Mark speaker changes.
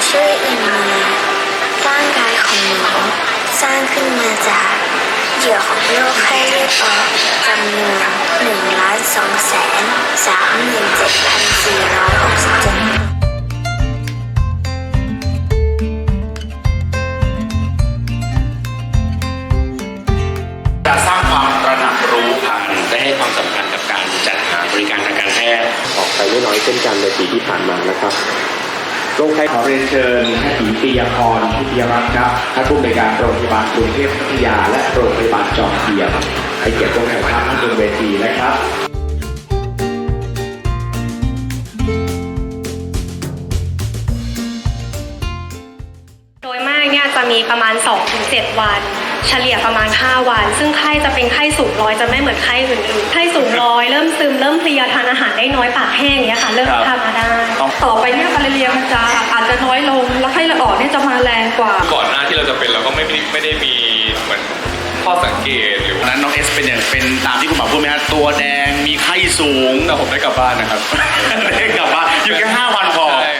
Speaker 1: ชื่ออินเนียร่างกายของหนูสร้างขึ้นมาจากเหยื่อของโรคไข้เลือดออกจำนวน 1,237,467
Speaker 2: จะสร้างความตระหนักรู้ผ่านได้ให้ความสำคัญกับการจัดหาบริการทางการแพทย์
Speaker 3: ออกไปไม่น้อยเช่นกันในปีที่ผ่านมานะครับ
Speaker 4: โรคไข้ขอเรียนเชิญแพทย์หญิงปิยพรพิทยรัตน์ครับท่านผู้อำนวยการโรงพยาบาลกรุงเทพพัทยาและโรงพยาบาลจอมเทียมให้เกียรติร่วมถ่ายภาพบนเวทีนะครับ
Speaker 5: โดยมากเนี่ยจะมีประมาณ 2-7 วันเฉลี่ยประมาณ5วันซึ่งไข้จะเป็นไข้สูงร้อยจะไม่เหมือนไข้อื่นๆไข้สูงร้อยเริ่มซึมเริ่มเพลียทานอาหารได้น้อยปากแห้งอย่างเงี้ยค่ะเริ่มทำมาได้
Speaker 6: ต่อไปเนี่ยมาลาเรียมันจะอาจจะน้อยลงแล้วไข้เลือดออกเนี่ยจะมาแรงกว่า
Speaker 7: ก่อนหน้าที่เราจะเป็นเราก็ไม่ได้มีเหมือนข้อสังเกตหรือ
Speaker 2: นั้นน้องเอสเป็นตามที่คุณหมอพูดไหมครับตัวแดงมีไข้สูง
Speaker 7: แต่ผมได้กลับบ้านนะครับ
Speaker 2: ได้กลับบ้านอยู่แค่5 วันพอ
Speaker 7: ใช่